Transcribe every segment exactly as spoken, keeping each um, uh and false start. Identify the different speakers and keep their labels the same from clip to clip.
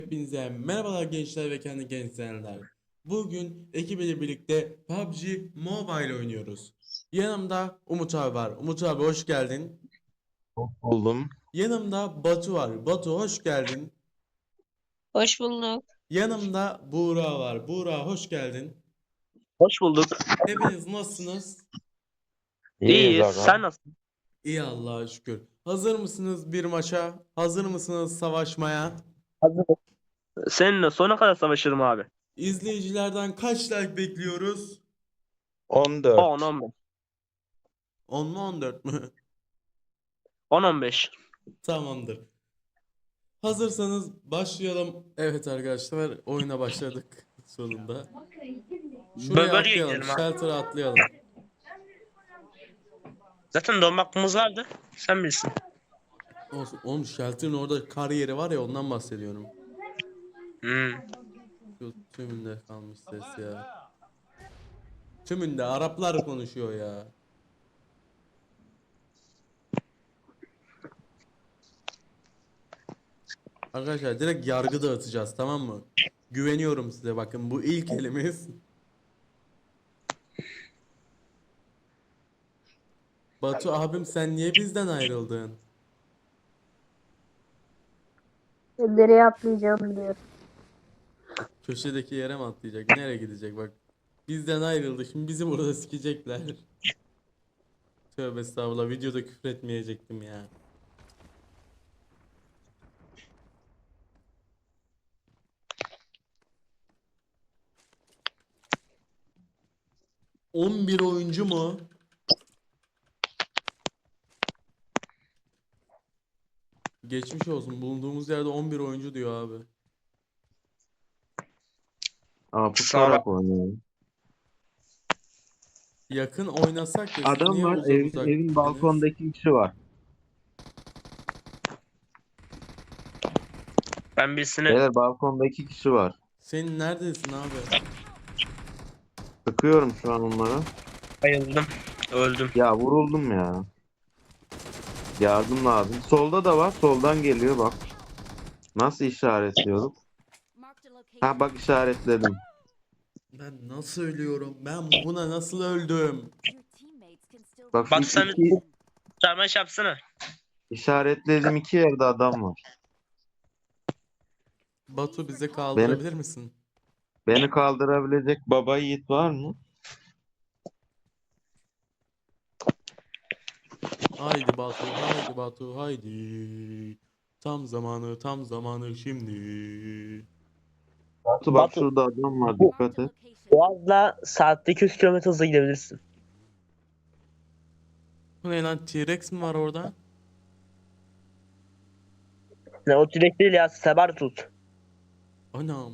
Speaker 1: Hepinize merhabalar gençler ve kendi gençler. Bugün ekibiyle birlikte P U B G Mobile oynuyoruz. Yanımda Umut abi var. Umut abi hoş geldin.
Speaker 2: Buldum.
Speaker 1: Yanımda Batu var. Batu hoş geldin.
Speaker 3: Hoş bulduk.
Speaker 1: Yanımda Buğra var. Buğra hoş geldin.
Speaker 4: Hoş bulduk.
Speaker 1: Hepiniz nasılsınız?
Speaker 2: İyiyiz
Speaker 4: İyiyiz.
Speaker 2: aga.
Speaker 4: Sen nasılsın?
Speaker 1: İyi Allah'a şükür. Hazır mısınız bir maça? Hazır mısınız savaşmaya?
Speaker 4: Hazırım. Seninle sona kadar savaşırım abi.
Speaker 1: İzleyicilerden kaç like bekliyoruz?
Speaker 2: on dört.
Speaker 4: on on beş.
Speaker 1: on mu on dört mü?
Speaker 4: on on beş.
Speaker 1: Tamamdır. Hazırsanız başlayalım. Evet arkadaşlar oyuna başladık sonunda. Şuraya
Speaker 4: Bölgeye
Speaker 1: atlayalım.
Speaker 4: gidelim abi.
Speaker 1: Shelter'a atlayalım.
Speaker 4: Zaten donma hakkımız vardı. Sen bilirsin.
Speaker 1: Olsun. Oğlum Shelter'ın orada kar yeri var ya ondan bahsediyorum.
Speaker 4: Hmm.
Speaker 1: Şu tümünde kalmış ses ya. Tümünde Araplar konuşuyor ya. Arkadaşlar direkt yargı dağıtacağız, tamam mı? Güveniyorum size, bakın bu ilk elimiz. Batu abim sen niye bizden ayrıldın?
Speaker 3: Nereye atlayacağım diyor.
Speaker 1: Köşedeki yere mi atlayacak? Nereye gidecek bak. Bizden ayrıldı. Şimdi bizi burada sikecekler. Tövbe estağfurullah. Videoda küfür etmeyecektim ya. on bir oyuncu mu? Geçmiş olsun. Bulunduğumuz yerde on bir oyuncu diyor abi.
Speaker 2: Ama
Speaker 4: Sağ ol.
Speaker 2: pusarak oynuyorum.
Speaker 1: Yakın oynasak ya, siz
Speaker 2: Adam
Speaker 1: niye
Speaker 2: var.
Speaker 1: uzak
Speaker 2: Ev,
Speaker 1: uzak
Speaker 2: evin
Speaker 1: gittiniz?
Speaker 2: balkonda iki kişi var.
Speaker 4: Ben birisine
Speaker 2: Beyler balkonda iki kişi var.
Speaker 1: Senin neredesin abi?
Speaker 2: Sıkıyorum şu an onlara.
Speaker 4: bayıldım. Öldüm.
Speaker 2: Ya vuruldum ya. Yardım lazım. Solda da var. Soldan geliyor bak. Nasıl işaretliyorduk? Ha bak işaretledim.
Speaker 1: Ben nasıl ölüyorum? Ben buna nasıl öldüm?
Speaker 2: Bak şu
Speaker 4: Batu sen
Speaker 2: iki,
Speaker 4: çarmıha iş yapsana.
Speaker 2: işaretlediğim iki yerde adam var.
Speaker 1: Batu bize
Speaker 2: Beni,
Speaker 1: kaldırabilir misin?
Speaker 2: beni kaldırabilecek baba yiğit var mı?
Speaker 1: Haydi Batu, haydi Batu, haydi. Tam zamanı, tam zamanı şimdi.
Speaker 2: Batu bak
Speaker 4: Batu.
Speaker 2: şurada adam var.
Speaker 4: Bu
Speaker 2: Dikkat et.
Speaker 4: Boğaz'la saatte iki yüz kilometre hızla gidebilirsin.
Speaker 1: Bu ne lan, T-Rex mi var orada?
Speaker 4: Ne o direkt değil ya. Sebar tut.
Speaker 1: Anam.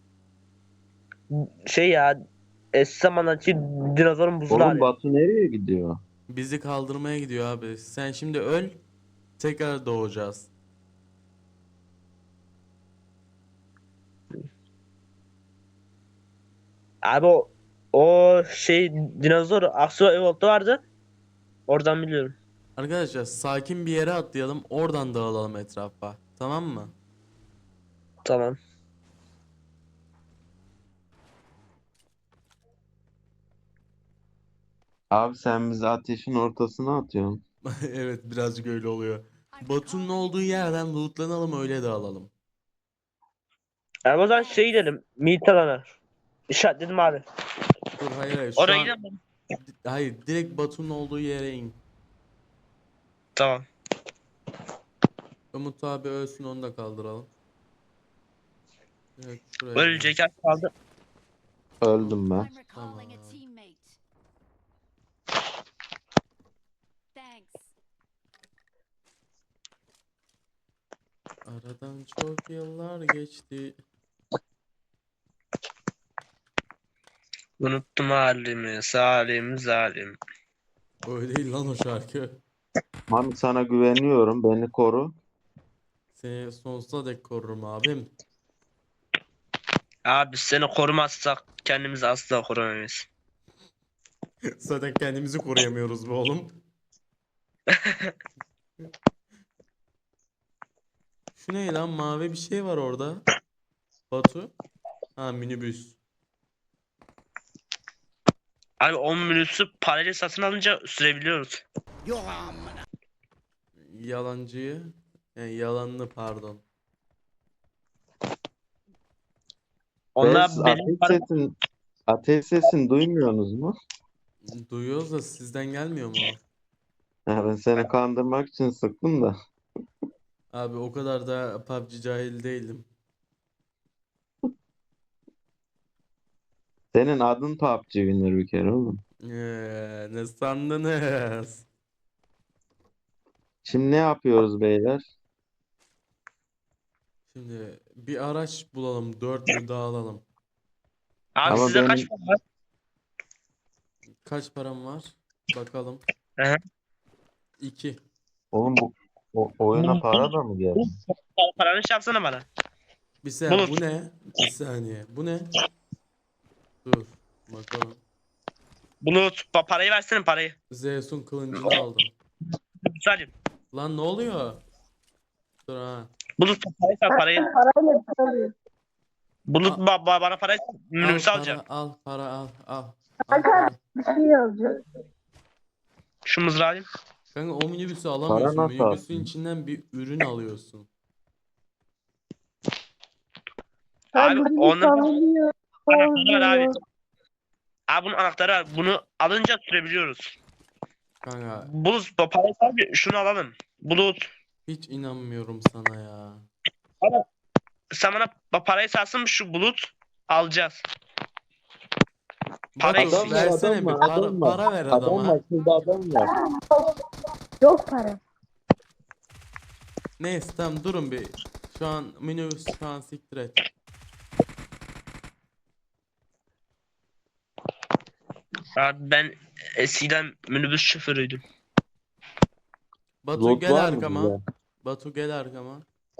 Speaker 4: Şey ya. Eski zamandaki dinozorun buzlu
Speaker 2: Oğlum
Speaker 4: hali.
Speaker 2: Batu nereye gidiyor?
Speaker 1: Bizi kaldırmaya gidiyor abi. Sen şimdi öl. Tekrar doğacağız.
Speaker 4: Abi o, o şey dinozor Aksu Evolt'ta vardı. Oradan biliyorum.
Speaker 1: Arkadaşlar sakin bir yere atlayalım. Oradan dağılalım etrafa. Tamam mı?
Speaker 4: Tamam.
Speaker 2: Abi sen bizi ateşin ortasına atıyorsun.
Speaker 1: Evet, birazcık öyle oluyor. Batu'nun olduğu yerden lootlanalım, öyle dağılalım.
Speaker 4: Yani o zaman şey gidelim. Meet alana. İşaretledim abi.
Speaker 1: Dur, hayır hayır şu
Speaker 4: Oraya
Speaker 1: an
Speaker 4: gidelim.
Speaker 1: hayır, direkt Batu'nun olduğu yere in.
Speaker 4: Tamam.
Speaker 1: Umut abi ölsün, onu da kaldıralım. Evet, şuraya
Speaker 4: Ölecek az kaldı.
Speaker 2: Öldüm ben.
Speaker 1: Tamam. Aradan çok yıllar geçti.
Speaker 4: Unuttum halimi, salim, zalim.
Speaker 1: Öyle değil lan o şarkı.
Speaker 2: Mami sana güveniyorum. Beni koru.
Speaker 1: Seni sonsuza dek korurum abim.
Speaker 4: Abi seni korumazsak kendimizi asla koruyamayız.
Speaker 1: Zaten kendimizi koruyamıyoruz be oğlum. Şu ne lan, mavi bir şey var orada. Batu? Ha, minibüs.
Speaker 4: Abi on minüsü parayla satın alınca sürebiliyoruz.
Speaker 1: Yalancıyı. Yani yalanını pardon.
Speaker 4: Onlar
Speaker 2: Biz
Speaker 4: benim
Speaker 2: ateş
Speaker 4: para...
Speaker 2: sesini, ateş sesini duymuyorsunuz mu?
Speaker 1: Duyuyoruz da sizden gelmiyor mu o?
Speaker 2: Ha, ben seni kandırmak için sıktım da.
Speaker 1: Abi o kadar da P U B G cahil değilim.
Speaker 2: Senin adın P U B G Winner bir kere oğlum.
Speaker 1: Ee, ne sandınız?
Speaker 2: Şimdi ne yapıyoruz beyler?
Speaker 1: Şimdi bir araç bulalım. Dörtlü dağılalım.
Speaker 4: Abi
Speaker 2: Ama
Speaker 4: size kaç
Speaker 2: benim
Speaker 4: para var?
Speaker 1: Kaç param var? Bakalım.
Speaker 4: Hı hı.
Speaker 1: İki.
Speaker 2: oğlum bu o, oyuna para da mı geldi?
Speaker 4: Paranı şey yapsana bana.
Speaker 1: Bir saniye,
Speaker 4: Bulut.
Speaker 1: bu ne? Bir saniye. Bu ne? Dur. Bakalım.
Speaker 4: Bulut pa- parayı versene parayı.
Speaker 1: Zeus'un kılıncını aldım.
Speaker 4: Salim.
Speaker 1: Lan ne oluyor? Dur ha.
Speaker 4: Bulut parayı sat parayı.
Speaker 3: Parayla bir şey alıyor.
Speaker 4: Bulut
Speaker 1: Al-
Speaker 4: ba- ba- bana parayı sat.
Speaker 1: Al
Speaker 4: Minibüsü
Speaker 1: para,
Speaker 4: alacağım.
Speaker 1: al para, al, al. Al
Speaker 3: Kanka
Speaker 1: para.
Speaker 3: bir şey alacağım.
Speaker 4: Şu mızrağı alayım.
Speaker 1: Kanka o minibüsü
Speaker 2: Para
Speaker 1: alamıyorsun.
Speaker 2: nasıl
Speaker 1: Minibüsün
Speaker 2: aldın?
Speaker 1: içinden bir ürün alıyorsun.
Speaker 4: Abi
Speaker 3: Abi
Speaker 4: onun
Speaker 3: sallanıyor.
Speaker 4: anahtarı var abi.
Speaker 3: Sallanıyor.
Speaker 4: Abi bunun anahtarı var. Bunu alınca sürebiliyoruz.
Speaker 1: Kanka
Speaker 4: Bulut pa- parayı sat bir şunu alalım. Bulut.
Speaker 1: hiç inanmıyorum sana ya.
Speaker 4: Sen bana pa- parayı satsın şu bulut. Alacağız. Para
Speaker 1: Batu
Speaker 4: eksik.
Speaker 1: versene bir para, para ver adama.
Speaker 2: şurada adam var.
Speaker 3: Yok para.
Speaker 1: Neyse tamam durun bir. Şu an minibüs şu an siktir et.
Speaker 4: Abi ben eskiden minibüs şoförüydüm.
Speaker 1: Batu
Speaker 2: Lot
Speaker 1: gel
Speaker 2: var mı
Speaker 1: arkama.
Speaker 2: bize?
Speaker 1: Batu gel arkama.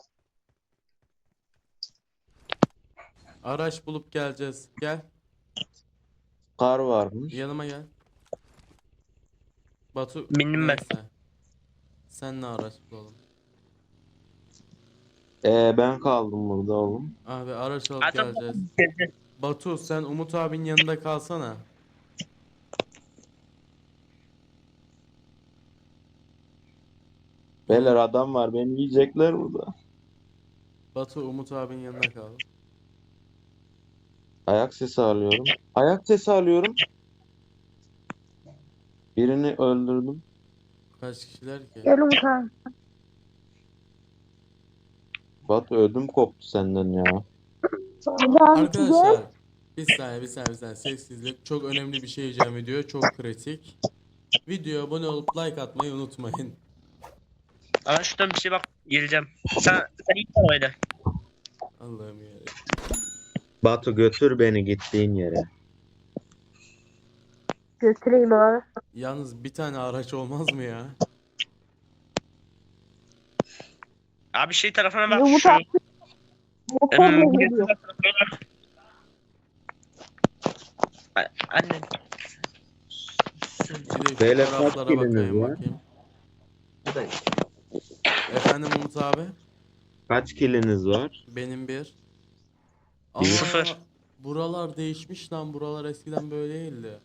Speaker 1: Araç bulup geleceğiz. Gel.
Speaker 2: Kar varmış.
Speaker 1: Yanıma gel. Batu
Speaker 4: Bindim ben.
Speaker 1: neyse. Senle araç bulalım.
Speaker 2: Ee, ben kaldım burada oğlum.
Speaker 1: Abi araç alıp
Speaker 4: Zaten
Speaker 1: geleceğiz. Batu sen Umut abinin yanında kalsana.
Speaker 2: Beyler adam var, beni yiyecekler burada.
Speaker 1: Batu Umut abinin yanında kal.
Speaker 2: Ayak sesi alıyorum. Ayak sesi alıyorum. Birini öldürdüm.
Speaker 1: Kaç kişiler ki?
Speaker 3: Gel Umut abi.
Speaker 2: Batu ödüm koptu senden ya.
Speaker 1: Arkadaşlar bir saniye bir saniye bir saniye sessizlik. Çok önemli bir şey diyeceğim video. Çok kritik. Videoya abone olup like atmayı unutmayın.
Speaker 4: Ama şuradan bir şey bak geleceğim. Sen sen iyi arabayla.
Speaker 1: Allah'ım ya.
Speaker 2: Batu götür beni gittiğin yere.
Speaker 3: Götüreyim abi.
Speaker 1: Yalnız bir tane araç olmaz mı ya?
Speaker 4: Abi şey tarafına bak
Speaker 3: Umut
Speaker 4: şu.
Speaker 3: abi. Motorla
Speaker 4: Em,
Speaker 3: geliyor.
Speaker 4: A- Anne.
Speaker 1: Bir de
Speaker 2: Beyler,
Speaker 1: şu
Speaker 2: kaç
Speaker 1: taraflara
Speaker 2: kiliniz
Speaker 1: bakayım
Speaker 2: var?
Speaker 1: bakayım. Efendim Umut abi?
Speaker 2: Kaç kiliniz var?
Speaker 1: Benim bir.
Speaker 2: Bir.
Speaker 4: Sıfır.
Speaker 1: Buralar değişmiş lan. Buralar eskiden böyle değildi.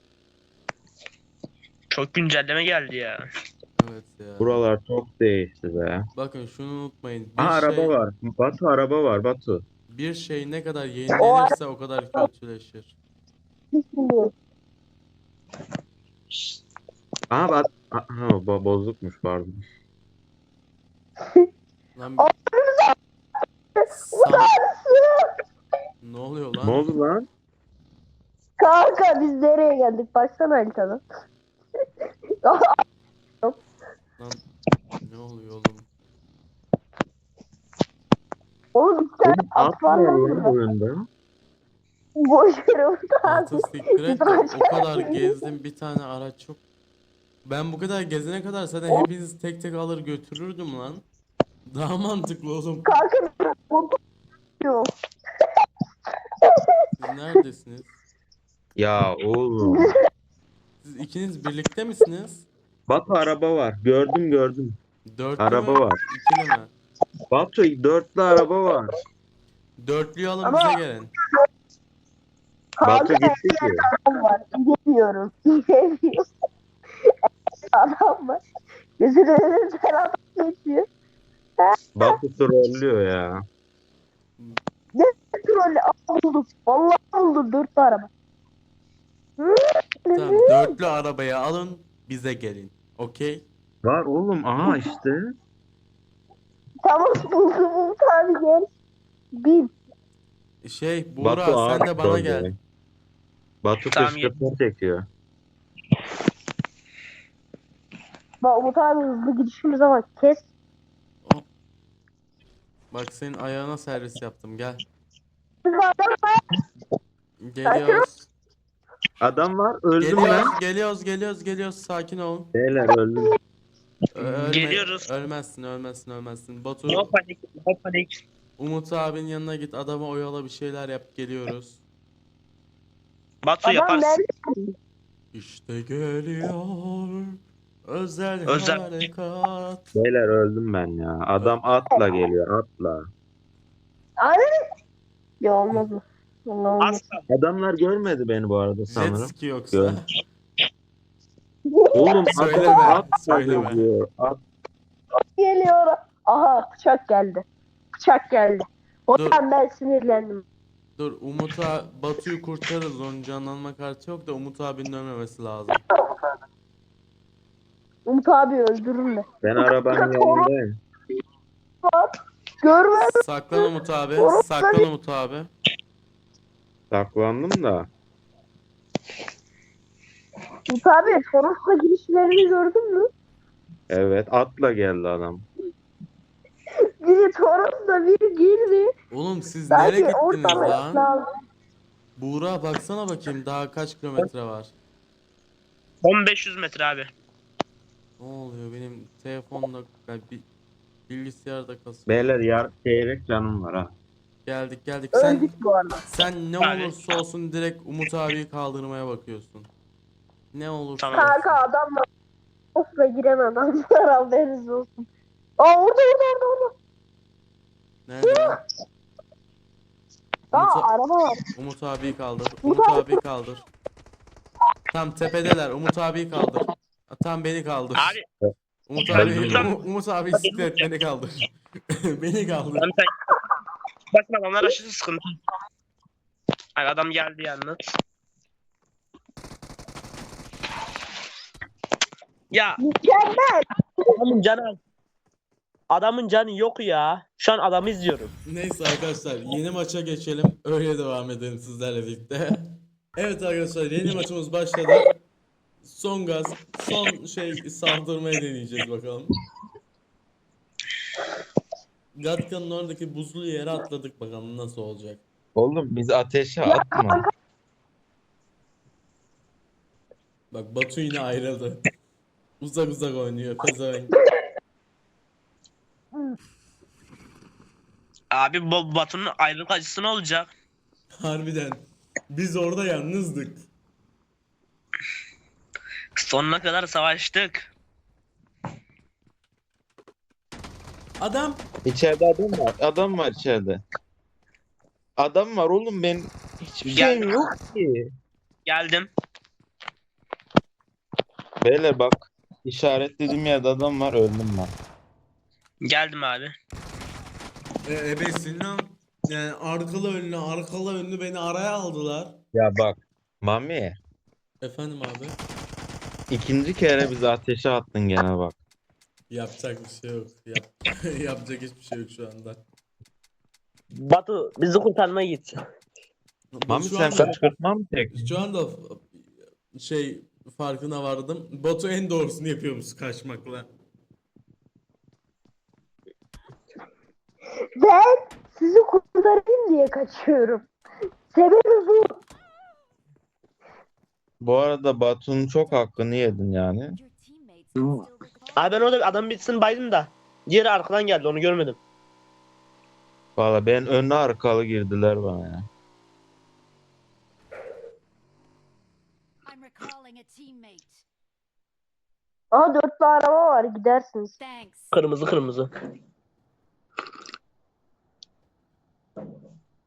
Speaker 4: Çok güncelleme geldi ya.
Speaker 1: Evet ya.
Speaker 2: Buralar çok değişti be.
Speaker 1: Bakın şunu unutmayın. Bir
Speaker 2: Aa, araba
Speaker 1: şey,
Speaker 2: var. Batu araba var Batu.
Speaker 1: bir şey ne kadar yenilenirse o kadar kötüleşir.
Speaker 3: Bismillah.
Speaker 2: Aa bak. Aa, ha, bo- bozukmuş pardon.
Speaker 1: Lan San... Ne oluyor
Speaker 2: Ne
Speaker 1: lan?
Speaker 2: oldu lan?
Speaker 3: Kanka biz nereye geldik? Baksana haritadan.
Speaker 1: Lan ne oluyor oğlum?
Speaker 3: Oğlum bir tane
Speaker 2: At
Speaker 3: at var
Speaker 2: var
Speaker 3: lan
Speaker 2: lan
Speaker 3: burada.
Speaker 2: oyunda.
Speaker 3: Boş ver Umut abi.
Speaker 1: Atı siktir et de
Speaker 3: Biz
Speaker 1: o kadar gezdim bir tane araç yok. Ben bu kadar gezene kadar zaten hepinizi tek tek alır götürürdüm lan. Daha mantıklı oğlum.
Speaker 3: Kanka motor yok.
Speaker 1: Siz neredesiniz?
Speaker 2: Ya oğlum.
Speaker 1: Siz ikiniz birlikte misiniz?
Speaker 2: Batu araba var. Gördüm gördüm.
Speaker 1: Dörtlü
Speaker 2: Araba
Speaker 1: mü?
Speaker 2: var.
Speaker 1: İkili mi?
Speaker 2: Batu dörtlü araba var.
Speaker 1: Dörtlüyü alın
Speaker 3: Ama-
Speaker 1: bize gelin.
Speaker 2: Batu
Speaker 3: Kanka
Speaker 2: gitti ki.
Speaker 3: adam var. Gidemiyorum. Gidemiyorum. Adam var. Gözünün önünden adam geçiyor.
Speaker 2: Batu trollüyor ya.
Speaker 3: Ne trolü? Aa, buldum. Vallahi buldum. Dört araba. Hı?
Speaker 1: Tamam, dörtlü arabayı alın bize gelin. Okey?
Speaker 2: Var oğlum, aha işte.
Speaker 3: Tamam buldum. Umut abi gel. Bin.
Speaker 1: Şey
Speaker 2: Batu
Speaker 1: Buğra
Speaker 2: ağır
Speaker 1: sen de bana
Speaker 2: troll
Speaker 1: gel.
Speaker 2: ya. Batu
Speaker 4: Tamam,
Speaker 2: kışkırtma çekiyor.
Speaker 3: Bak Umut abi hızlı gidişimiz ama kes.
Speaker 1: Bak senin ayağına servis yaptım gel.
Speaker 3: Biz adam var.
Speaker 1: Geliyoruz.
Speaker 2: Adam var, öldüm ben.
Speaker 1: Geliyoruz, geliyoruz, geliyoruz, geliyoruz. Sakin olun.
Speaker 2: Beyler öldüm.
Speaker 1: Ö- Ölme,
Speaker 4: Geliyoruz.
Speaker 1: ölmezsin, ölmezsin, ölmezsin. Batu,
Speaker 4: No panik, no panik.
Speaker 1: Umut abinin yanına git, adama oyala bir şeyler yap, geliyoruz.
Speaker 4: Batu
Speaker 3: Adam
Speaker 4: yaparsın.
Speaker 3: nerede?
Speaker 1: İşte geliyor özel
Speaker 4: Özel.
Speaker 1: harekat.
Speaker 2: Beyler öldüm ben ya. Adam atla geliyor, atla.
Speaker 3: Abi. Ya olmaz mı? Vallahi olmaz.
Speaker 4: Asla.
Speaker 2: Adamlar görmedi beni bu arada
Speaker 1: Jet
Speaker 2: sanırım.
Speaker 1: ski yoksa.
Speaker 2: Gör. Oğlum
Speaker 1: Söyleme,
Speaker 2: adam at
Speaker 1: söyleme.
Speaker 2: diyor. At.
Speaker 3: Geliyor. Aha bıçak geldi. Bıçak geldi. O
Speaker 1: Dur.
Speaker 3: yüzden ben sinirlendim.
Speaker 1: Dur Umut'a Batu'yu kurtarırız, onun canlanma kartı yok da Umut abinin ölmemesi lazım.
Speaker 3: Umut abi öldürürler.
Speaker 2: Ben arabanın yanındayım.
Speaker 3: Görmedim.
Speaker 1: Saklan Umut abi, saklan Umut abi.
Speaker 2: Saklandım da.
Speaker 3: Umut abi Toros'la girişlerini gördün mü?
Speaker 2: Evet, atla geldi adam.
Speaker 3: Biri Toros'la biri girdi.
Speaker 1: Oğlum siz nereye
Speaker 3: Belki
Speaker 1: gittiniz
Speaker 3: ortalık
Speaker 1: lan?
Speaker 3: lazım.
Speaker 1: Buğra baksana bakayım daha kaç kilometre var.
Speaker 4: on beş yüz metre abi.
Speaker 1: Ne oluyor benim telefonda yani bi- bilgisayarda kasıyor.
Speaker 2: Beyler yar çeyrek canım var ha.
Speaker 1: Geldik geldik. Sen
Speaker 3: Öldük bu arada.
Speaker 1: sen ne
Speaker 4: Abi.
Speaker 1: olursa olsun direkt Umut abiyi kaldırmaya bakıyorsun. Ne olursa
Speaker 4: Tamam.
Speaker 1: olsun.
Speaker 3: Kanka adamla Toros'la giren adamlar haberiniz olsun. Aa orada orada orada orada.
Speaker 1: Nerede lan?
Speaker 3: Aa
Speaker 1: Umut,
Speaker 3: araba var.
Speaker 1: Umut abiyi kaldır. Umut abiyi kaldır. Tam tepedeler. Umut abiyi kaldır. Ha, Tam beni kaldır.
Speaker 4: Abi
Speaker 1: Umut
Speaker 2: Ben
Speaker 1: abi,
Speaker 2: bilmiyorum.
Speaker 1: Umut, Umut abi bisiklet beni kaldır. Beni kaldır.
Speaker 4: ben sen... Bakın adamlar aşırı sıkıntı. Ay adam geldi yalnız. Ya
Speaker 3: Mükemmel.
Speaker 4: adamın canı adamın canı yok ya. Şu an adamı izliyorum.
Speaker 1: Neyse arkadaşlar yeni maça geçelim. Öyle devam edelim sizlerle birlikte. Evet arkadaşlar yeni maçımız başladı. Son gaz, son şey saldırmayı deneyeceğiz bakalım. Gatka'nın oradaki buzlu yere atladık bakalım nasıl olacak.
Speaker 2: Oğlum biz ateşe atma.
Speaker 1: Bak Batu yine ayrıldı. Uzak uzak oynuyor pezevenk.
Speaker 4: Abi bu Batu'nun ayrılık acısı ne olacak?
Speaker 1: Harbiden. Biz orada yalnızdık.
Speaker 4: Sonuna kadar savaştık.
Speaker 1: Adam
Speaker 2: İçeride adam var. Adam var içeride. Adam var oğlum, ben hiçbir
Speaker 4: Gel.
Speaker 2: şeyim yok ki.
Speaker 4: Geldim.
Speaker 2: Beyler bak, işaretlediğim yerde adam var, öldüm ben.
Speaker 4: Geldim abi.
Speaker 1: e, ebesin lan. Yani arkalı önlü arkalı önlü beni araya aldılar.
Speaker 2: Ya bak Mami,
Speaker 1: Efendim abi.
Speaker 2: ikinci kere bizi ateşe attın gene bak.
Speaker 1: Yapacak bir şey yok. Yap yapacak hiçbir şey yok şu anda.
Speaker 4: Batu bizi kurtarmaya git.
Speaker 2: Mami
Speaker 1: şu
Speaker 2: sen
Speaker 1: anda,
Speaker 2: kışkırtma mı çektin?
Speaker 1: şu anda şey farkına vardım. Batu en doğrusunu yapıyormuş kaçmakla.
Speaker 3: Ben sizi kurtarayım diye kaçıyorum. Sebebi bu.
Speaker 2: Bu arada Batu'nun çok hakkını yedin yani.
Speaker 4: Abi ben orada adam bitsin baydım da. Diğeri arkadan geldi onu görmedim.
Speaker 2: Valla ben önlü arkalı girdiler bana ya.
Speaker 5: I'm recalling a teammate.
Speaker 3: Aha dörtlü araba var gidersiniz.
Speaker 5: Thanks.
Speaker 4: Kırmızı kırmızı.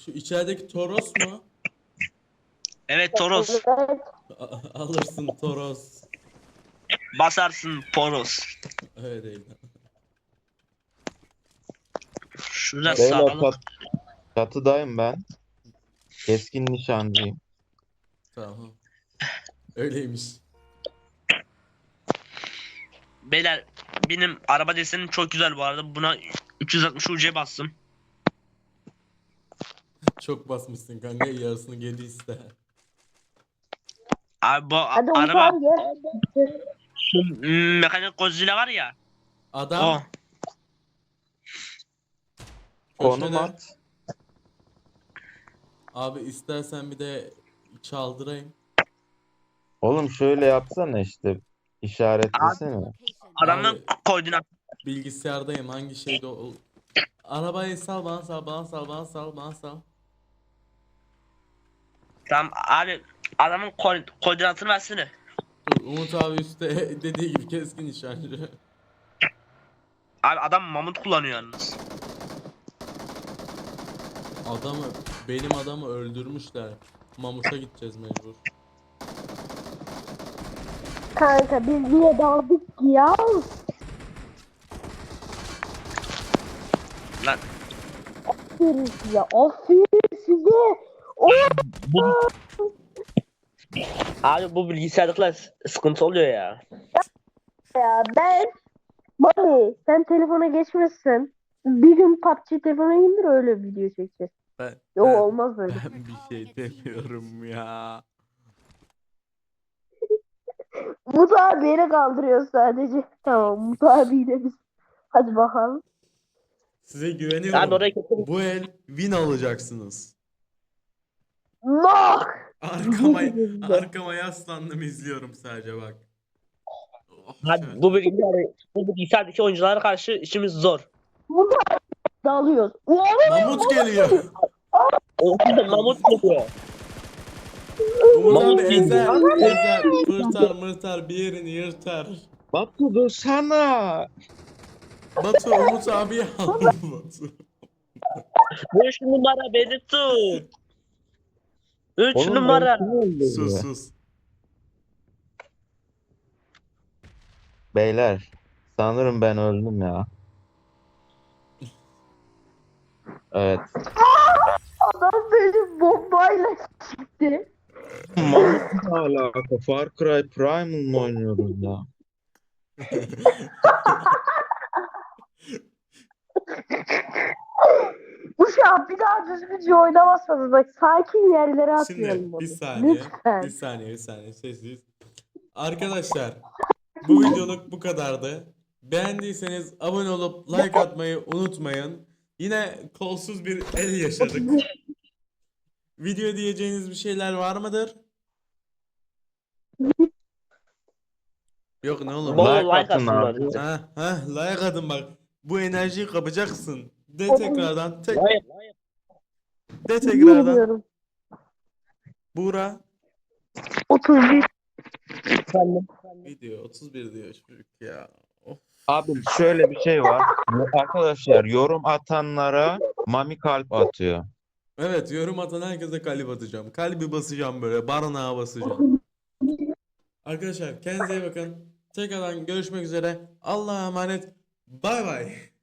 Speaker 1: Şu içerideki Toros mu?
Speaker 4: Evet Toros.
Speaker 3: Evet.
Speaker 1: A- alırsın Toros.
Speaker 4: Basarsın Poros.
Speaker 1: Öyle değil.
Speaker 4: Şurada
Speaker 2: Beyler
Speaker 4: sağlam.
Speaker 2: çat, çatıdayım ben. Keskin nişancıyım.
Speaker 1: Tamam. Öyleymiş.
Speaker 4: Beyler benim araba desenim çok güzel bu arada. Buna üç yüz altmış U C bastım.
Speaker 1: Çok basmışsın kanka, yarısını geri iste.
Speaker 4: Abi bu a-
Speaker 3: Hadi Umut
Speaker 4: araba
Speaker 3: abi gel.
Speaker 4: şu m- mekanik Godzilla var ya.
Speaker 1: Adam
Speaker 4: O.
Speaker 2: Konum
Speaker 1: köşede.
Speaker 2: at.
Speaker 1: Abi istersen bir de çaldırayım.
Speaker 2: Oğlum şöyle yapsana işte. İşaretlesene.
Speaker 5: Location.
Speaker 4: Adamın
Speaker 1: Abi-
Speaker 4: koordinat.
Speaker 1: Bilgisayardayım, hangi şeyde ol. Arabayı sal bana, sal bana, sal bana, sal bana, sal.
Speaker 4: Tamam abi adamın ko- koordinatını versene.
Speaker 1: Dur, Umut abi üstte dediği gibi keskin nişancı.
Speaker 4: Abi adam mamut kullanıyor yalnız.
Speaker 1: Adamı, benim adamı öldürmüşler. Mamut'a gideceğiz mecbur.
Speaker 3: Kanka biz niye daldık ki ya?
Speaker 4: Lan
Speaker 3: Aferin size. Aferin size. O
Speaker 4: bu Abi bu bilgisayarlıkla s- sıkıntı oluyor ya.
Speaker 3: ya ben. Mami sen telefona geçmezsen bir gün P U B G telefona indir öyle video çekeceğiz.
Speaker 1: Ben,
Speaker 3: Yok
Speaker 1: ben-
Speaker 3: olmaz böyle.
Speaker 1: ben bir şey demiyorum ya.
Speaker 3: Umut abi yere kaldırıyor sadece. Tamam Umut abiyle biz. Hadi bakalım.
Speaker 1: Size
Speaker 4: Abi
Speaker 1: güveniyorum.
Speaker 4: oraya kesin.
Speaker 1: Bu el win alacaksınız.
Speaker 3: No!
Speaker 1: Arkama,
Speaker 3: Güzel.
Speaker 1: arkama yaslandım, izliyorum sadece bak. Oh,
Speaker 4: Abi
Speaker 1: şöyle.
Speaker 4: bu bilgisayar bu bilgisayardaki oyunculara karşı işimiz zor.
Speaker 3: Umut abi dalıyoruz. Oğlum
Speaker 1: Mamut geliyor.
Speaker 4: O mamut geliyor.
Speaker 1: Umut
Speaker 4: Mamut
Speaker 1: abi
Speaker 4: geliyor.
Speaker 1: ezer, ezer, fırtar mırtar bir yerini yırtar.
Speaker 2: Batu dursana.
Speaker 1: Batu Umut abi al Batu.
Speaker 4: Üç numara beni tut. Üç
Speaker 2: Oğlum ben
Speaker 4: numara.
Speaker 2: kim öldürdü?
Speaker 1: Sus sus.
Speaker 2: Beyler sanırım ben öldüm ya. Evet.
Speaker 3: adam beni bombayla çıktı.
Speaker 2: Mamut ne alaka? Far Cry Primal mı oynuyoruz ya?
Speaker 3: Uşağım bir daha düzgünce oynamazsanız bak sakin yerlere atmayalım
Speaker 1: Şimdi
Speaker 3: onu.
Speaker 1: bir saniye,
Speaker 3: Lütfen.
Speaker 1: bir saniye, bir saniye sessiz. Arkadaşlar bu videoluk bu kadardı. Beğendiyseniz abone olup like atmayı unutmayın. Yine kolsuz bir el yaşadık. Video diyeceğiniz bir şeyler var mıdır? Yok ne oğlum?
Speaker 4: Bol
Speaker 2: Like
Speaker 4: like
Speaker 2: atın
Speaker 4: atsınlar.
Speaker 2: abi.
Speaker 1: Ha ha like atın bak. Bu enerjiyi kapacaksın. De tekrardan. Tek,
Speaker 4: Hayır.
Speaker 1: de tekrardan.
Speaker 3: Bilmiyorum.
Speaker 1: Buğra.
Speaker 3: otuz bir.
Speaker 4: Efendim.
Speaker 1: Video otuz bir diyor çocuk ya. Of.
Speaker 2: Abi şöyle bir şey var. Arkadaşlar yorum atanlara Mami kalp atıyor.
Speaker 1: Evet, yorum atan herkese kalp atacağım. Kalbi basacağım böyle. Barınağa basacağım. Arkadaşlar kendinize iyi bakın. Tekrardan görüşmek üzere. Allah'a emanet. Bay bay.